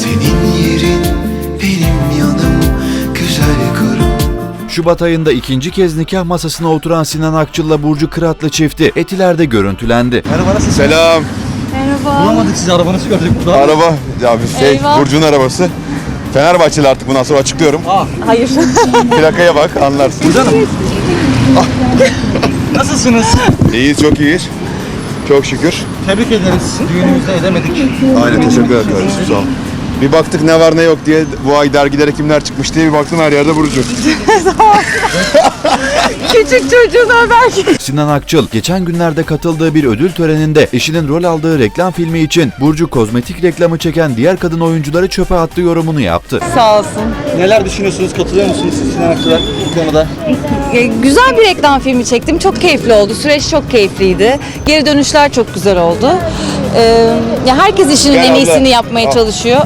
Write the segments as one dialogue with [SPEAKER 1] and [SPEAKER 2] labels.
[SPEAKER 1] Senin yerin benim yanım, güzel karım.
[SPEAKER 2] Şubat ayında ikinci kez nikah masasına oturan Sinan Akçıl'la Burcu Kıratlı çifti Etiler'de görüntülendi.
[SPEAKER 3] Merhaba, nasılsın?
[SPEAKER 4] Selam.
[SPEAKER 5] Merhaba.
[SPEAKER 3] Bulamadık sizi, arabanızı gördük burada.
[SPEAKER 4] Araba, ya
[SPEAKER 5] Eyvah.
[SPEAKER 4] Burcu'nun arabası. Fenerbahçeli artık, bundan sonra açıklıyorum.
[SPEAKER 5] Hayır.
[SPEAKER 4] Plakaya bak, anlarsın.
[SPEAKER 3] Burcu Hanım. Nasılsınız?
[SPEAKER 4] İyiyiz, çok iyiyiz. Çok şükür.
[SPEAKER 3] Tebrik ederiz. Düğünümüzde edemedik.
[SPEAKER 4] Aynen, teşekkür ederim kardeşim, sağ ol. Bir baktık ne var ne yok diye, bu ay dergilere kimler çıkmış diye bir baktım, her yerde Burcu.
[SPEAKER 5] Küçük çocuğuna belki.
[SPEAKER 2] Sinan Akçıl geçen günlerde katıldığı bir ödül töreninde eşinin rol aldığı reklam filmi için Burcu kozmetik reklamı çeken diğer kadın oyuncuları çöpe attı yorumunu yaptı.
[SPEAKER 5] Sağ olsun.
[SPEAKER 3] Neler düşünüyorsunuz? Katılıyor musunuz siz Sinan Akçıl'a bu konuda?
[SPEAKER 5] Güzel bir reklam filmi çektim. Çok keyifli oldu. Süreç çok keyifliydi. Geri dönüşler çok güzel oldu. Ya herkes işinin
[SPEAKER 4] Gel
[SPEAKER 5] en
[SPEAKER 4] abla.
[SPEAKER 5] iyisini yapmaya çalışıyor.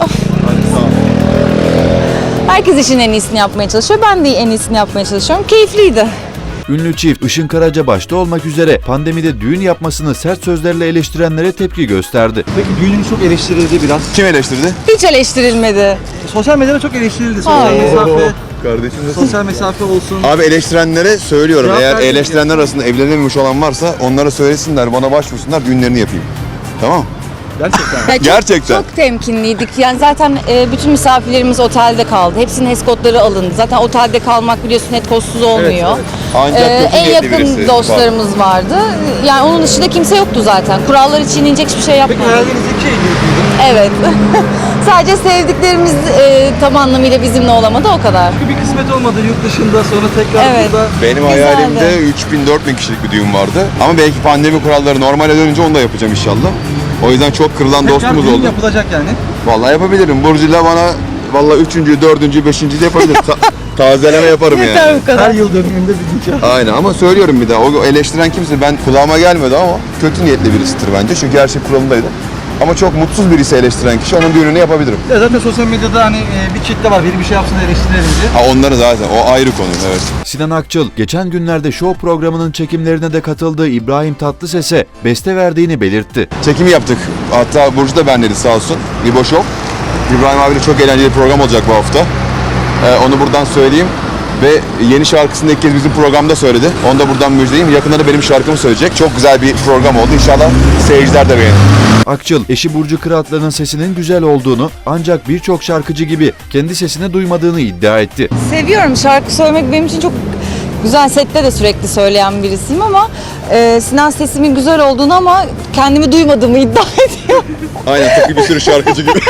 [SPEAKER 5] Herkes işinin en iyisini yapmaya çalışıyor. Ben de en iyisini yapmaya çalışıyorum. Keyifliydi.
[SPEAKER 2] Ünlü çift Işın Karaca başta olmak üzere pandemide düğün yapmasını sert sözlerle eleştirenlere tepki gösterdi.
[SPEAKER 3] Peki düğününüz çok eleştirildi biraz.
[SPEAKER 4] Kim eleştirdi?
[SPEAKER 5] Hiç eleştirilmedi.
[SPEAKER 3] Sosyal medyada çok eleştirildi. Sosyal
[SPEAKER 5] Hayır.
[SPEAKER 3] mesafe,
[SPEAKER 4] Kardeşim
[SPEAKER 3] sosyal mesafe olsun.
[SPEAKER 4] Abi eleştirenlere söylüyorum,
[SPEAKER 3] Cevap
[SPEAKER 4] eğer
[SPEAKER 3] verdim
[SPEAKER 4] eleştirenler arasında evlenememiş olan varsa onlara söylesinler, bana başvursunlar, düğünlerini yapayım. Tamam.
[SPEAKER 3] Gerçekten.
[SPEAKER 5] Ya çok-
[SPEAKER 4] Gerçekten.
[SPEAKER 5] Çok temkinliydik. Yani zaten bütün misafirlerimiz otelde kaldı. Hepsinin HES kodları alındı. Zaten otelde kalmak biliyorsun HES kodsuz olmuyor.
[SPEAKER 3] Evet,
[SPEAKER 4] Ancak kötü
[SPEAKER 5] En
[SPEAKER 4] niyetli
[SPEAKER 5] yakın
[SPEAKER 4] birisi
[SPEAKER 5] dostlarımız vardı. Yani onun dışında kimse yoktu zaten. Kurallar çiğneyecek hiçbir şey
[SPEAKER 3] Peki
[SPEAKER 5] yapmadık.
[SPEAKER 3] hayalinizdeki şey neydi?
[SPEAKER 5] Evet. Sadece sevdiklerimiz tam anlamıyla bizimle olamadı, o kadar.
[SPEAKER 3] Çünkü bir kısmet olmadı yurt dışında, sonra tekrar
[SPEAKER 5] Evet.
[SPEAKER 3] burada.
[SPEAKER 4] Benim
[SPEAKER 5] Güzeldi.
[SPEAKER 4] hayalimde 3000-4000 kişilik bir düğün vardı. Ama belki pandemi kuralları normale dönünce onu da yapacağım inşallah. O yüzden çok kırılan
[SPEAKER 3] Tekrar
[SPEAKER 4] dostumuz
[SPEAKER 3] düğün
[SPEAKER 4] oldu.
[SPEAKER 3] yapılacak yani.
[SPEAKER 4] Vallahi yapabilirim. Burcu'yla bana vallahi 3. 4. 5. de yapabilirim. Tazeleme yaparım yani.
[SPEAKER 5] Yeter bu kadar.
[SPEAKER 3] Her yıl dönümünde bir nikah.
[SPEAKER 4] Aynen, ama söylüyorum bir daha. O eleştiren kimse, ben kulağıma gelmedi ama kötü niyetli birisidir bence. Çünkü her şey kuralındaydı. Ama çok mutsuz birisi eleştiren kişi, onun düğününü yapabilirim.
[SPEAKER 3] Ya zaten sosyal medyada hani bir kitle var. Biri bir şey yapsın da eleştirelim diye.
[SPEAKER 4] Ha, onları zaten, o ayrı konu, evet.
[SPEAKER 2] Sinan Akçıl geçen günlerde show programının çekimlerine de katıldığı İbrahim Tatlıses'e beste verdiğini belirtti.
[SPEAKER 4] Çekimi yaptık. Hatta Burcu da benledi sağ olsun. İbo Show. İbrahim abiyle çok eğlenceli bir program olacak bu hafta. Onu buradan söyleyeyim. Ve yeni şarkısını ilk kez bizim programda söyledi. Onu da buradan müjdeleyeyim. Yakında da benim şarkımı söyleyecek. Çok güzel bir program oldu. İnşallah seyirciler de beğenir.
[SPEAKER 2] Akçıl, eşi Burcu Kıratlı'nın sesinin güzel olduğunu ancak birçok şarkıcı gibi kendi sesini duymadığını iddia etti.
[SPEAKER 5] Seviyorum, şarkı söylemek benim için çok güzel. Sette de sürekli söyleyen birisiyim ama Sinan sesimin güzel olduğunu ama kendimi duymadığımı iddia ediyor.
[SPEAKER 4] Aynen, tıpkı bir sürü şarkıcı gibi.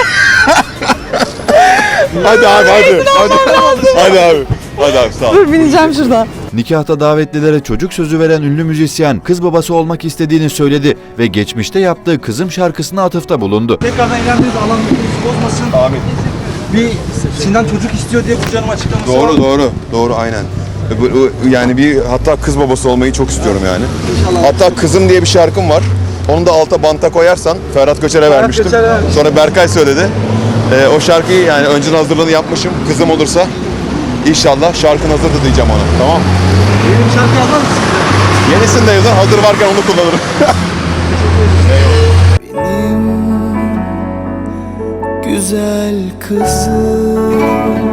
[SPEAKER 4] Hadi abi, hadi. Hadi abi. Hadi abi, sağ ol.
[SPEAKER 5] Dur, bineceğim şuradan.
[SPEAKER 2] Nikahta davetlilere çocuk sözü veren ünlü müzisyen kız babası olmak istediğini söyledi ve geçmişte yaptığı Kızım şarkısına atıfta bulundu.
[SPEAKER 3] Tekrardan evlendiğiniz alan mutluluğunuzu bozmasın.
[SPEAKER 4] Amin.
[SPEAKER 3] Bir Sinan çocuk istiyor diye Burcu Hanım açıklaması var.
[SPEAKER 4] Doğru, aynen. Yani hatta kız babası olmayı çok istiyorum yani.
[SPEAKER 3] İnşallah.
[SPEAKER 4] Hatta Kızım diye bir şarkım var. Onu da alta banta koyarsan, Ferhat Göçer'e vermiştim.
[SPEAKER 3] Göçer'e vermiş.
[SPEAKER 4] Sonra Berkay söyledi. O şarkıyı yani önceden hazırlığını yapmışım. Kızım olursa inşallah şarkın hazırdı diyeceğim ona. Tamam.
[SPEAKER 3] Yeni bir şarkı yazar mısın?
[SPEAKER 4] Yenisini de yazar, hazır varken onu kullanırım.
[SPEAKER 1] Benim güzel kızım.